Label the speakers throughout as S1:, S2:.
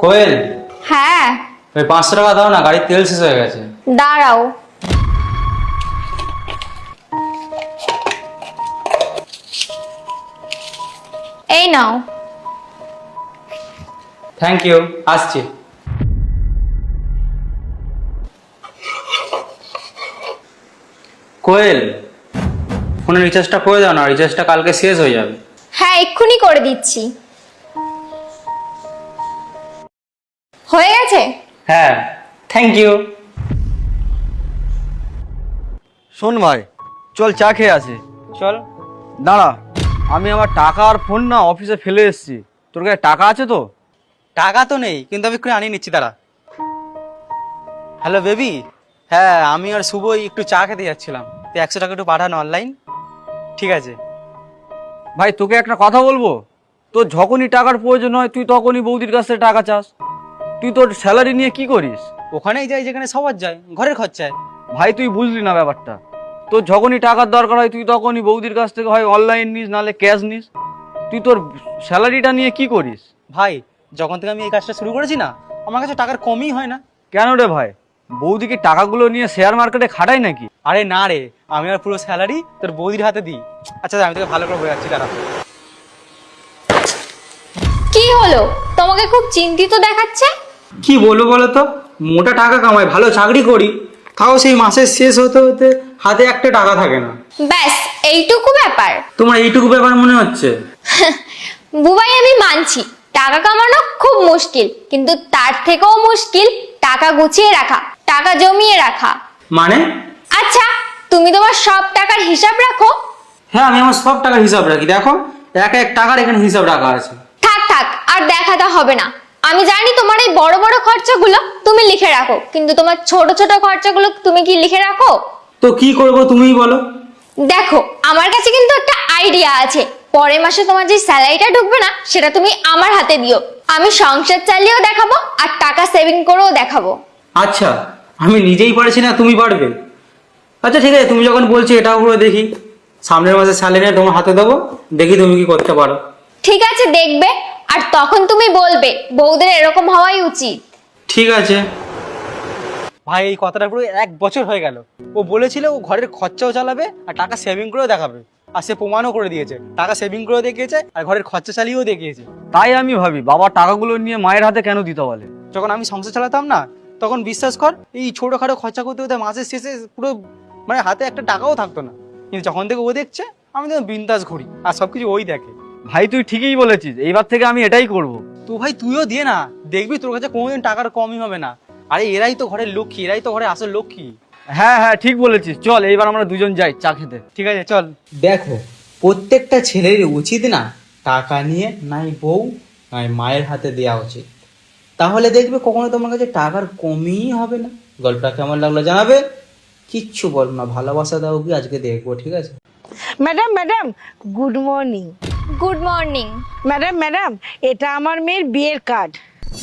S1: কোয়েল,
S2: হ্যাঁ
S1: ওই 500 টাকা দাও না, গাড়ির তেল শেষ হয়ে গেছে।
S2: দাঁড়াও। এই নাও।
S1: থ্যাংক ইউ, আসছি। কোয়েল, ফোনের রিচার্জটা করে দাও না, রিচার্জটা কালকে শেষ হয়ে যাবে।
S2: হ্যাঁ এক্ষুনি করে দিচ্ছি। হয়ে গেছে?
S1: হ্যাঁ, থ্যাংক ইউ।
S3: শোন ভাই, চল চা খেয়ে আসি।
S1: চল।
S3: দাঁড়া, আমি আমার টাকা আর ফোন না অফিসে ফেলে এসেছি। তোর কাছে টাকা আছে তো?
S1: টাকা তো নেই, কিন্তু আমি একটু আনিয়ে নিচ্ছি, দাঁড়া। হ্যালো বেবি, হ্যাঁ আমি আর শুভই একটু চা খেতে যাচ্ছিলাম, তুই 100 টাকা একটু পাঠানো অনলাইন। ঠিক আছে।
S3: ভাই তোকে একটা কথা বলবো, তোর যখনই টাকার প্রয়োজন হয় তুই তখনই বৌদির কাছ থেকে টাকা চাস। তুই তোর স্যালারি নিয়ে কি করিস?
S1: ওখানেই যাই যেখানে সবার যায়, ঘরের খরচায়।
S3: ভাই তুই বুঝলি না ব্যাপারটা। তোর যখনই টাকার দরকার হয় তুই তখনই বৌদির কাছ থেকে হয় অনলাইন নিস, নাহলে ক্যাশ নিস। তুই তোর স্যালারিটা নিয়ে কি করিস?
S1: ভাই যখন থেকে আমি এই কাজটা শুরু করেছি না, আমার কাছে টাকার কমই হয় না।
S3: কেন রে ভাই, বৌদি কি টাকাগুলো নিয়ে শেয়ার মার্কেটে খাটায় নাকি?
S1: আরে না রে, আমি আর পুরো স্যালারি তোর বৌদির হাতে দিই। আচ্ছা আমি তোকে ভালো করে বোঝাচ্ছি, দাঁড়া।
S2: কি হলো, তোমাকে খুব চিন্তিত দেখাচ্ছে।
S1: কি বলবো বলো তো, মোটা টাকা কামাই, ভালো চাকরি করি, তাও সেই মাসের শেষ হতে হতে হাতে একটা টাকা থাকে না।
S2: ব্যাস এইটুকু ব্যাপার?
S1: তোমার এইটুকু ব্যাপার মনে হচ্ছে?
S2: বুবাই আমি মানছি টাকা কামানো খুব মুশকিল, কিন্তু তার থেকেও মুশকিল টাকা গুছিয়ে রাখা, টাকা জমিয়ে রাখা।
S1: মানে?
S2: আচ্ছা তুমি তোমার সব টাকার হিসাব রাখো?
S1: হ্যাঁ আমি আমার সব টাকার হিসাব রাখি, দেখো এক এক টাকার এখানে হিসাব রাখা আছে।
S2: থাক থাক আর দেখাতে হবে না। আমি জানি তোমার এই বড় বড় খরচাগুলো তুমি লিখে রাখো, কিন্তু তোমার ছোট ছোট খরচাগুলো তুমি কি লিখে রাখো?
S1: তো কি করব তুমিই বলো।
S2: দেখো আমার কাছে কিন্তু একটা আইডিয়া আছে। পরের মাসে তোমার যে স্যালারিটা ঢুকবে না, সেটা তুমি আমার হাতে দিও। আমি সংসার চালিয়েও দেখাবো আর টাকা সেভিং করেও দেখাবো।
S1: আচ্ছা, আমি নিজেই পারছি না, তুমি পারবে? আচ্ছা ঠিক আছে, তুমি যখন বলছো এটাও করে দেখি। সামনের মাসে স্যালারি তোমার হাতে দেবো, দেখি তুমি কি করতে পারো।
S2: ঠিক আছে দেখবে, আর তখন তুমি বলবে বউদের এরকম হওয়াই উচিত।
S1: ঠিক আছে। ভাই এই কথাটা পুরো 1 বছর হয়ে গেল। ও বলেছিল ও ঘরের খরচাও চালাবে আর টাকা সেভিং করেও দেখাবে, আর সে প্রমাণও করে দিয়েছে। টাকা সেভিং করেও দেখিয়েছে আর ঘরের খরচা চালিয়েও দেখিয়েছে।
S3: তাই আমি ভাবি বাবা টাকাগুলো নিয়ে মায়ের হাতে কেন দিতে বলে।
S1: যখন আমি সংসার চালাতাম না, তখন বিশ্বাস কর এই ছোটোখাটো খরচা করতে করতে মাসের শেষে পুরো মানে হাতে একটা টাকাও থাকতো না। কিন্তু যখন থেকে ও দেখছে, আমি তো বিন্দাস ঘুরি আর সবকিছু ওই দেখে।
S3: ভাই তুই ঠিকই বলেছিস, এইবার থেকে আমি এটাই করব।
S1: তো ভাই তুইও দিয়ে না, দেখবি তোর কাছে কোনোদিন টাকার কমই হবে না। আরে এরাই তো ঘরের লক্ষ্মী, এরাই তো ঘরের আসল লক্ষ্মী।
S3: হ্যাঁ হ্যাঁ ঠিক বলেছিস, চল এইবার আমরা দুজন যাই চা খেতে।
S1: ঠিক আছে চল। দেখো প্রত্যেকটা ছেলের উচিত না টাকা নিয়ে নাই বউ নাই মায়ের হাতে দেওয়া উচিত, তাহলে দেখবে কখনো তোমার কাছে টাকার কমই হবে না। গল্পটা কেমন লাগলো জানাবে, কিচ্ছু বলবো না, ভালোবাসা দাও কি আজকে দেখবো, ঠিক আছে?
S4: Madam madam good morning.
S2: Good morning.
S4: Madam madam এটা আমার মেয়ের বিয়ের কার্ড।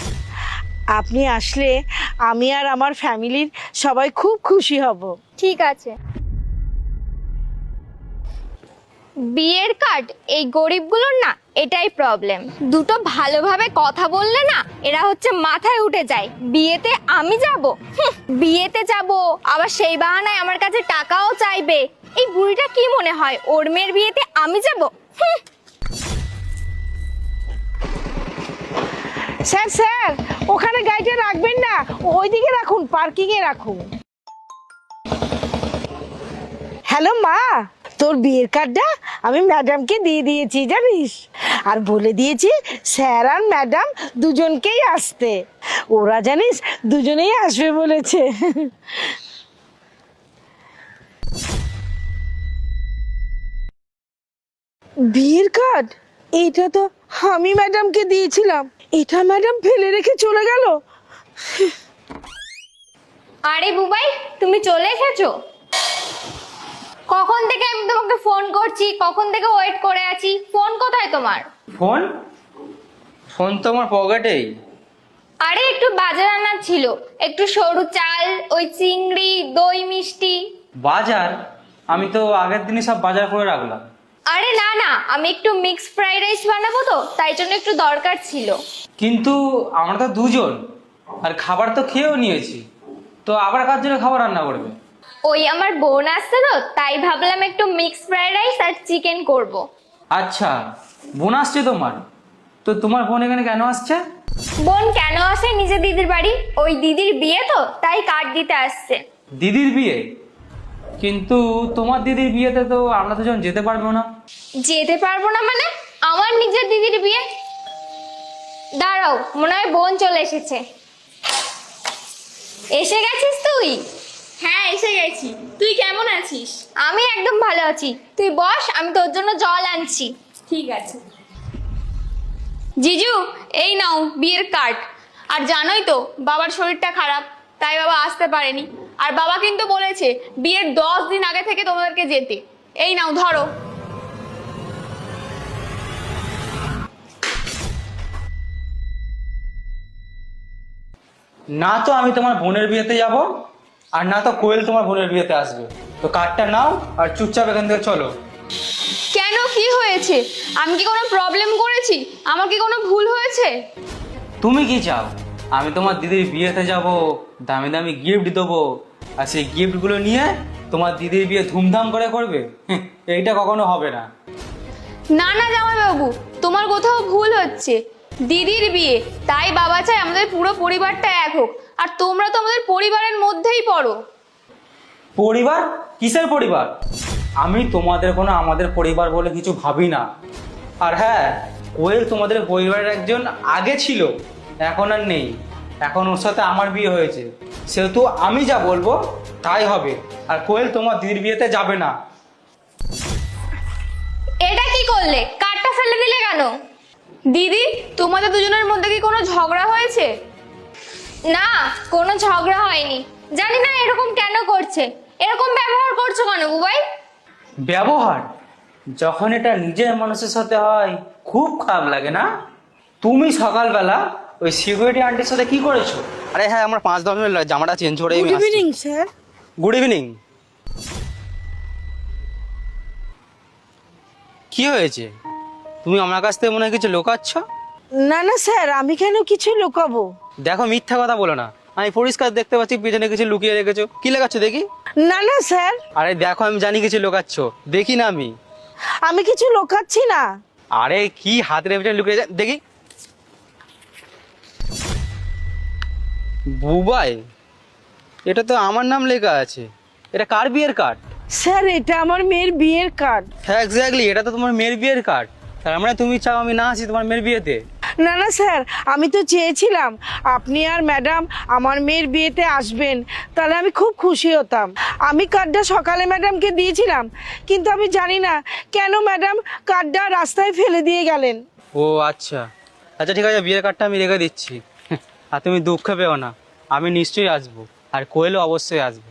S4: আপনি আসলে আমি আর আমার ফ্যামিলির সবাই খুব খুশি হব।
S2: ঠিক আছে। বিয়ের কার্ড এই গরিবগুলোর না এটাই প্রবলেম। দুটো ভালোভাবে কথা বললে না এরা হচ্ছে মাথায় উঠে যায়। বিয়েতে আমি যাব, বিয়েতে যাব আবার সেই বাহানায় আমার কাছে টাকাও চাইবে। এই বুড়িটা কি মনে হয় ওর মেয়ের বিয়েতে আমি যাব?
S4: স্যার স্যার ওখানে গাড়িটা রাখবেন না, ওইদিকে রাখুন, পার্কিংয়ে রাখুন। হ্যালো মা, তোর বিয়ের কার্ডটা আমি ম্যাডামকে দিয়ে দিয়েছি জানিস, আর বলে দিয়েছি স্যার আর ম্যাডাম দুজনকেই আসতে। ওরা জানিস দুজনেই আসবে বলেছে। বিয়ের কার্ড এটা তো আমি ম্যাডামকে দিয়েছিলাম, এটা ম্যাডাম ফেলে রেখে চলে গেল।
S2: আরে বুবাই তুমি চলে এসেছো? কখন থেকে আমি তোমাকে ফোন করছি, কখন থেকে ওয়েট করে আছি। ফোন কোথায় তোমার?
S1: ফোন? ফোন তো আমার পকেটেই।
S2: আরে একটু বাজার আনার ছিল, একটু সরু চাল, ওই চিংড়ি, দই মিষ্টি।
S1: বাজার? আমি তো আগের দিনই সব বাজার করে রাখলাম।
S2: আরে না না, আমি একটু মিক্স ফ্রাইড রাইস বানাবো তো, তাই জন্য একটু দরকার ছিল।
S1: কিন্তু আমরা তো দুজন, আর খাবার তো খেয়েও নিয়েছি, তো আবার কার জন্য খাবার রান্না করবে?
S2: ওই আমার বোন আসছে তো, তাই ভাবলাম একটু মিক্স ফ্রাইড রাইস আর চিকেন করব।
S1: আচ্ছা, বোন আসছে তোমার? তো তোমার বোন এখানে কেন আসছে?
S2: বোন কেন আসে নিজে দিদির বাড়ি? ওই দিদির বিয়ে তো, তাই কার্ড দিতে আসছে।
S1: দিদির বিয়ে? কিন্তু তোমার দিদির বিয়েতে তো আমরা দুজন যেতে পারবো না।
S2: যেতে পারবো না মানে? আমার নিজের দিদির বিয়ে? দাঁড়াও, মনে হয় বোন চলে এসেছে। এসে গেছিস তুই?
S5: হ্যাঁ, এসে গেছি। তুই কেমন আছিস?
S2: আমি একদম ভালো আছি, তুই বস, আমি তোর জন্য জল আনছি।
S5: ঠিক আছে। জিজু, এই নাও বিয়ের কার্ড। আর জানোই তো বাবার শরীরটা খারাপ, তাই বাবা আসতে পারেনি। আর বাবা কিন্তু বলেছে বিয়ের 10 দিন আগে থেকে তোমাদেরকে যেতে। এই নাও ধরো।
S1: না তো আমি তোমার বোনের বিয়েতে যাব, আর না তো কোয়েল তোমার বোনের বিয়েতে আসবে। তো কার্ডটা নাও আর চুপচাপ এখান থেকে চলো।
S5: কেন, কি হয়েছে? আমি কি কোনো প্রবলেম করেছি? আমার কি কোনো ভুল হয়েছে?
S1: তুমি কি চাও আমি তোমার দিদির বিয়েতে যাব, দামি দামি গিফট দেবো, আর সেই গিফটগুলো নিয়ে তোমার দিদির বিয়ে ধুমধাম করে করবে? এইটা কখনো হবে না।
S5: না না জামাইবাবু, তোমার কোথাও ভুল হচ্ছে। দিদির বিয়ে, তাই বাবা চায় আমাদের পুরো পরিবারটা এক হোক। আর তোমরা তো আমাদের পরিবারের মধ্যেই পড়ো।
S1: পরিবার? কিসের পরিবার? আমি তোমাদের কোনো আমাদের পরিবার বলে কিছু ভাবি না। আর হ্যাঁ, কোয়েল তোমাদের পরিবারের একজন আগে ছিল, এখন আর নেই। এখন ওর সাথে আমার বিয়ে হয়েছে, সেহেতু আমি যা বলবো তাই হবে। আর কোয়েল তোমার দিদির বিয়েতে যাবে না।
S2: এটা কি করলে? কার্ডটা ফেলে দিলে কেন?
S5: দিদি, তোমাদের দুজনের মধ্যে কি কোনো ঝগড়া হয়েছে?
S2: না, কোনো ঝগড়া হয়নি। জানি না এরকম কেন করছে, এরকম ব্যবহার করছো কেন বুবাই?
S1: ব্যবহার? যখন এটা নিজের মানুষের সাথে হয় খুব খারাপ লাগে না? তুমি সকালবেলা ওই সিকিউরিটি আন্টির সাথে কি করেছো? আরে হ্যাঁ, আমার 5-10 মিনিট জামাটা চেঞ্জ করে
S4: good evening sir.
S1: Good evening. কি হয়েছে? তুমি আমার কাছ থেকে মনে হয় কিছু লুকাচ্ছ?
S4: না না স্যার, আমি কেন কিছু লুকাবো?
S1: দেখো, মিথ্যা কথা বলো না। আমি পরিষ্কার দেখতে পাচ্ছি পিছনে কিছু লুকিয়ে রেখেছো। কি লেখাচ্ছ দেখি?
S4: না না স্যার,
S1: আরে দেখো, আমি জানি কিছু লুকাচ্ছ, দেখি না আমি?
S4: আমি কিছু লুকাচ্ছি না।
S1: আরে কি হাতের পেছনে লুকিয়ে দেখি। বুবাই, এটা তো আমার নাম লেখা আছে। এটা কার বিয়ের কার্ড?
S4: স্যার, এটা আমার মেয়ের বিয়ের কার্ড।
S1: হ্যাঁ এক্স্যাক্টলি, এটা তো তোমার মেয়ের বিয়ের কার্ড। তার মানে তুমি চাও আমি না আসি তোমার মেয়ের বিয়েতে?
S4: না না স্যার, আমি তো চেয়েছিলাম আপনি আর ম্যাডাম আমার মেয়ের বিয়েতে আসবেন, তাহলে আমি খুব খুশি হতাম। আমি কার্ডটা সকালে ম্যাডামকে দিয়েছিলাম, কিন্তু আমি জানি না কেন ম্যাডাম কার্ডটা রাস্তায় ফেলে দিয়ে গেলেন।
S1: ও আচ্ছা আচ্ছা, ঠিক আছে, বিয়ের কার্ডটা আমি রেখে দিচ্ছি। আর তুমি দুঃখ পেও না, আমি নিশ্চয়ই আসবো, আর কোয়েলও অবশ্যই আসবে।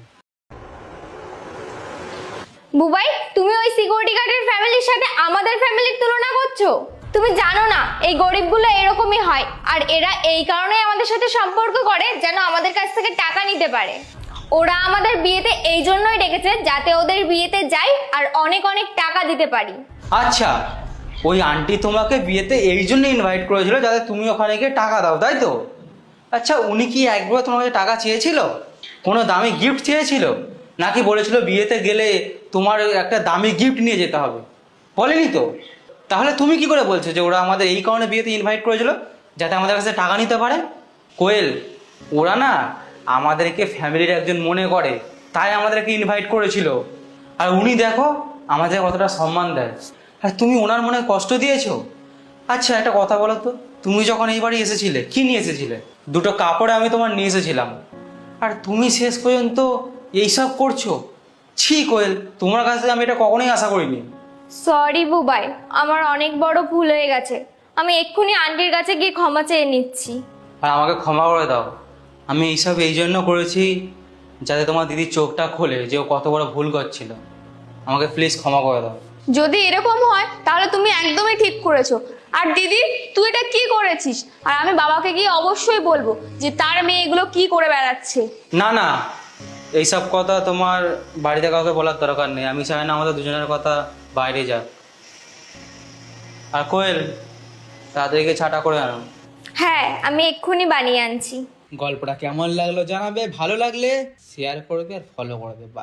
S2: বুবাই, তুমি ওই সিকিউরিটি গার্ডের ফ্যামিলির সাথে আমাদের ফ্যামিলির তুলনা করছো? তুমি জানো না এই গরিবগুলো এরকমই হয়, আর এরা এই কারণেই আমাদের সাথে সম্পর্ক করে যেন আমাদের কাছ থেকে টাকা নিতে পারে। ওরা আমাদের বিয়েতে এই জন্যই ডেকেছে যাতে ওদের বিয়েতে যাই আর অনেক অনেক টাকা দিতে পারি।
S1: আচ্ছা, ওই আন্টি তোমাকে বিয়েতে এই জন্য ইনভাইট করেছিল যাতে তুমি ওখানে গিয়ে টাকা দাও, তাই তো? আচ্ছা, উনি কি একবার তোমার কাছে টাকা চেয়েছিল? কোনো দামি গিফট চেয়েছিল? নাকি বলেছিল বিয়েতে গেলে তোমার একটা দামি গিফট নিয়ে যেতে হবে? বলেনি তো। তাহলে তুমি কি করে বলছো যে ওরা আমাদের এই কারণে বিয়েতে ইনভাইট করেছিল যাতে আমাদের কাছে টাকা নিতে পারে? কোয়েল, ওরা না আমাদেরকে ফ্যামিলির একজন মনে করে, তাই আমাদেরকে ইনভাইট করেছিল। আর উনি দেখো আমাদের কতটা সম্মান দেয়, আর তুমি ওনার মনে কষ্ট দিয়েছো। আচ্ছা একটা কথা বলো তো, তুমি যখন এই বাড়ি এসেছিলে কি নিয়ে এসেছিলে? দুটো কাপড়ে আমি তোমার নিয়ে এসেছিলাম, আর তুমি শেষ পর্যন্ত এইসব করছো। ছি কোয়েল, তোমার কাছে আমি এটা কখনোই আশা করিনি।
S2: সরি বুবাই, আমার অনেক বড় ভুল হয়ে গেছে। আমি এক্ষুনি আন্টির কাছে গিয়ে ক্ষমা চেয়ে নিচ্ছি।
S1: আর আমাকে ক্ষমা করে দাও। আমি এইসব এই জন্য করেছি যাতে তোমার দিদির চোখটা খোলে যে ও কত বড় ভুল করছিল। আমাকে প্লিজ ক্ষমা করে দাও।
S5: যদি এরকম হয় তাহলে তুমি একদমই ঠিক করেছো। আর দিদি, তুই এটা কি করেছিস? আর আমি বাবাকে গিয়ে অবশ্যই বলবো যে তার মেয়ে এগুলো কি করে বেড়াচ্ছে।
S1: না না, এইসব কথা তোমার বাড়িতে কাউকে বলার দরকার নেই। আমি চাই না আমাদের দুজনের কথা বাইরে যাক। আর কোয়েল, তাড়াতাড়ি গিয়ে চাটা করে আনো।
S2: হ্যাঁ, আমি এক্ষুনি বানিয়ে আনছি।
S1: গল্পটা কেমন লাগলো জানাবে, ভালো লাগলে শেয়ার করবে আর ফলো করবে।